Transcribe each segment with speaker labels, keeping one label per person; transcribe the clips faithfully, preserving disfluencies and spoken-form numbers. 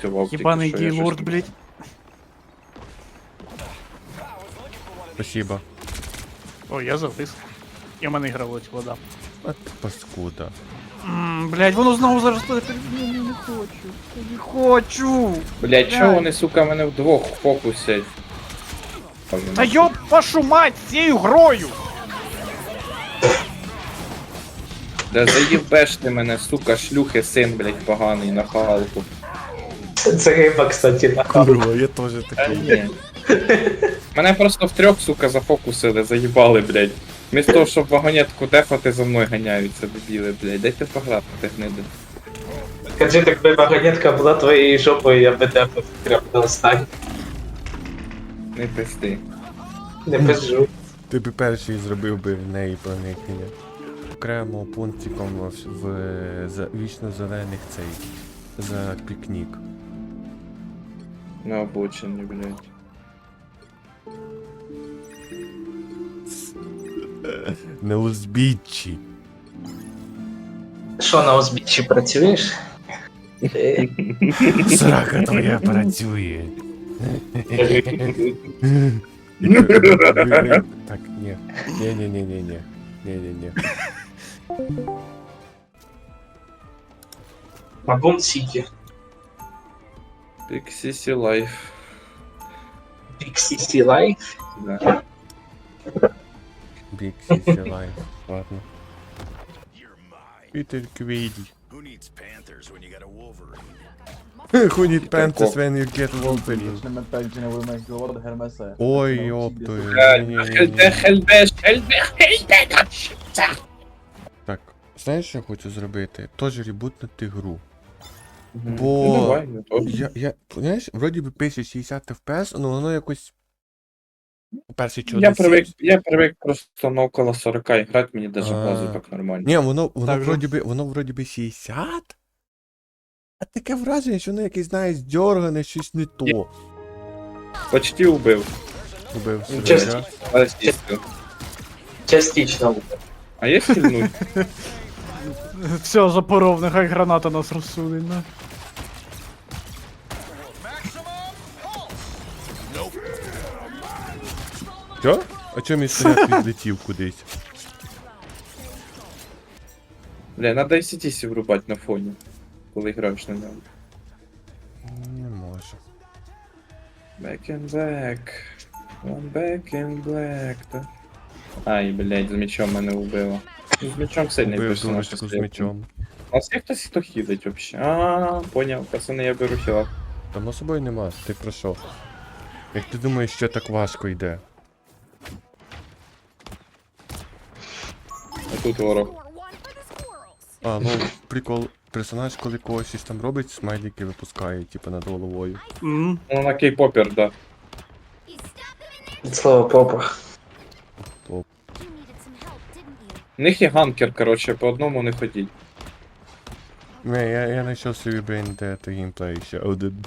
Speaker 1: працював. тільки
Speaker 2: Єбаний
Speaker 1: що, я щось
Speaker 2: гейлорд,
Speaker 1: не-
Speaker 2: блядь.
Speaker 3: Спасибо.
Speaker 2: Ой, я завис. І в мене гралось вода.
Speaker 3: А ти паскуда.
Speaker 2: Ммм, блядь, воно знову зараз... Я не, не хочу. Я не хочу.
Speaker 1: Блядь, чого вони, сука, мене вдвох фокусять?
Speaker 2: Та ёб вашу мать цією грою!
Speaker 1: Да заїбеш ти мене, сука, шлюхи, син, блядь, поганий, на халку.
Speaker 4: Це риба, кстати, на халку.
Speaker 3: Курва, я теж
Speaker 1: Та
Speaker 3: такий.
Speaker 1: ні. Мене просто в трьох, сука, зафокусили, заїбали, блядь. Вмісто того, щоб вагонетку дефати, за мною ганяються, дебіли, блядь. Дайте пограти, гниди.
Speaker 4: Скажи, так би вагонетка була твоєю жопою, я би тебе прям на останній.
Speaker 1: Не пизди.
Speaker 4: Не пизжу.
Speaker 3: Ти б перший зробив би в неї проникнення. Окремо пунктиком в, в за, вічно зелених цей. За пікнік.
Speaker 1: На обочині, блядь.
Speaker 3: На узбіччі.
Speaker 4: Що, на узбіччі працюєш?
Speaker 3: Срака твоя працює. Так, ні. Ні-ні-ні-ні-ні. Ні-ні-ні.
Speaker 4: Мабун Сіті.
Speaker 1: Піксісі лайф.
Speaker 4: Піксі Лайф.
Speaker 1: Да.
Speaker 3: Big Sissy Life. Ладно. Пітер Квейді.
Speaker 5: Who needs Panthers when you got a Wolverine?
Speaker 3: Who need panties when you get Wolverine?
Speaker 6: Вічне ментальне вимог говорить Гермеса.
Speaker 3: Ой, йоптою.
Speaker 1: Хельбе, хельбе, хельбе, хельбе,
Speaker 3: Так, знаєш, що я хочу зробити? Тож ребутнути гру.
Speaker 1: Ну,
Speaker 3: Бо
Speaker 1: давай, ну, то.
Speaker 3: я, я, знаєш, вроді би пише шістдесят еф пі ес, але воно якось... Перший чого
Speaker 1: Я
Speaker 3: не
Speaker 1: привик,
Speaker 3: сів.
Speaker 1: я привик просто на около сорок грати, мені даже
Speaker 3: А.
Speaker 1: базу так нормально.
Speaker 3: Ні, воно, воно
Speaker 2: Так же.
Speaker 3: вроді би, воно вроді би шістдесят? А таке враження, що воно якесь, знаєш, дьоргане, щось не то.
Speaker 1: Почти убив.
Speaker 3: Убив собі,
Speaker 4: Чесно.
Speaker 3: да?
Speaker 1: Але стісно.
Speaker 4: Частично.
Speaker 1: А є хильнуть?
Speaker 2: Все, запоров, нехай граната нас розсудить, на.
Speaker 3: Що? А чому мій снаряд відлетів кудись?
Speaker 1: Бля, надо ай сі ті сі врубати на фоні, коли граєш на ньому.
Speaker 3: Не можу.
Speaker 1: Back in black. One back in black. Та... Ай, блядь, з мечом мене убило. З мечом сильний
Speaker 3: Убив
Speaker 1: персонаж.
Speaker 3: дурочку з мечом.
Speaker 1: А з є хтось, хто хілить вообще? А, поняв, пацани, я беру хіла.
Speaker 3: Само собою нема, ти про що? Як ти думаєш, що так важко йде?
Speaker 1: А тут ворог.
Speaker 3: А, ну, прикол, персонаж, коли когось щось там робить, смайлики випускає, типу, над головою.
Speaker 2: Мгм.
Speaker 1: Ну, на кей-попер, да.
Speaker 4: Від слова попа.
Speaker 1: В них є ганкер, короче, по одному не ходіть.
Speaker 3: Не, я, я знайшов собі блін, де то геймплей ще один.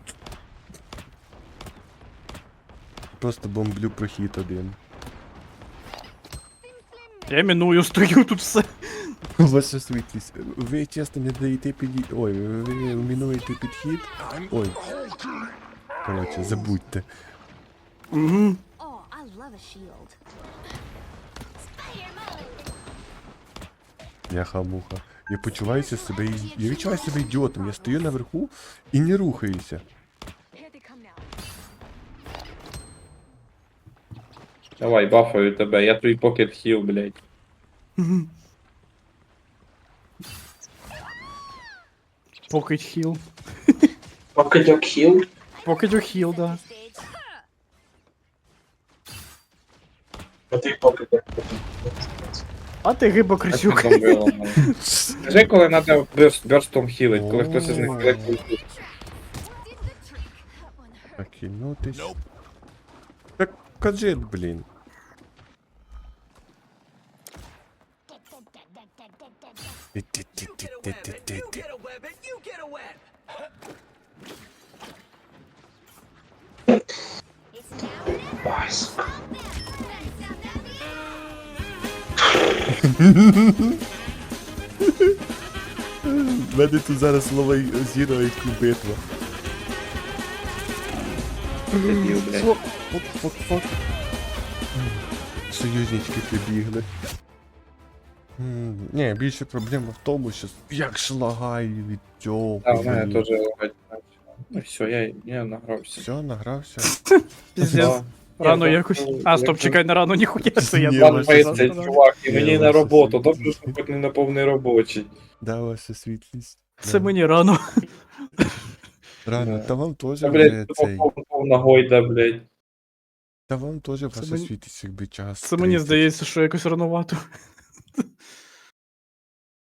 Speaker 3: Просто бомблю прохід один.
Speaker 2: Я міную, стою тут все.
Speaker 3: Ваша світлість, ви чесно не даєте підхід. Ой, ви, ви мінуєте підхід. Ой. Коротше, забудьте.
Speaker 2: Угу.
Speaker 7: Oh, I love a shield.
Speaker 3: Яха-муха. Я почуваюся себе. із- Я відчуваю себе ідіотом. Я стою наверху і не рухаюся.
Speaker 1: Давай, бафаю тебе, я твій покет хіл, блядь.
Speaker 2: Покидь хіл.
Speaker 4: Покидьок хіл.
Speaker 2: Покидь хіл, да.
Speaker 4: А ти покидьок.
Speaker 2: А ти гиба
Speaker 1: А
Speaker 2: крисюк.
Speaker 1: що там було, ну? Скажи, коли треба бёрстом хілить, коли хтось із них хілить.
Speaker 3: Так, кинутись. Так, кажи, блін. Ти-ти-ти-ти-ти-ти-ти.
Speaker 4: Бас.
Speaker 3: В мене тут зараз слово зіро і битва.
Speaker 1: Дебіл, блядь.
Speaker 3: Фок, фок, фок, фок. Союзнички прибігли. М, Ні, більше проблема в тому, що як шлагаю від цього.
Speaker 1: А, в мене теж лагать. Ну все, я, я награвся.
Speaker 3: Все, награвся.
Speaker 2: Піздець.
Speaker 1: Да.
Speaker 2: Рано
Speaker 1: Ні,
Speaker 2: якось.
Speaker 1: ну,
Speaker 2: А, стоп,
Speaker 1: якщо-
Speaker 2: чекай, на рано ніхуя це я
Speaker 3: Ні,
Speaker 2: думав,
Speaker 3: ваше
Speaker 2: що
Speaker 1: Двадцять,
Speaker 2: завтра.
Speaker 1: чувак, і
Speaker 3: Ні,
Speaker 1: мені на
Speaker 3: ваше
Speaker 1: роботу,
Speaker 3: світло.
Speaker 1: добре, що хоч не на повний робочий.
Speaker 3: Да, ваша світлість.
Speaker 2: Це
Speaker 3: Да.
Speaker 2: мені рано.
Speaker 3: Рано,
Speaker 1: Да.
Speaker 3: та вам теж
Speaker 1: Та,
Speaker 3: вже
Speaker 1: блядь,
Speaker 3: цей.
Speaker 1: пов- повна гойда, блядь.
Speaker 3: Та вам теж ваша
Speaker 2: мені-
Speaker 3: світлість якби час.
Speaker 2: Це мені
Speaker 3: тридцять.
Speaker 2: здається, що якось ранувато.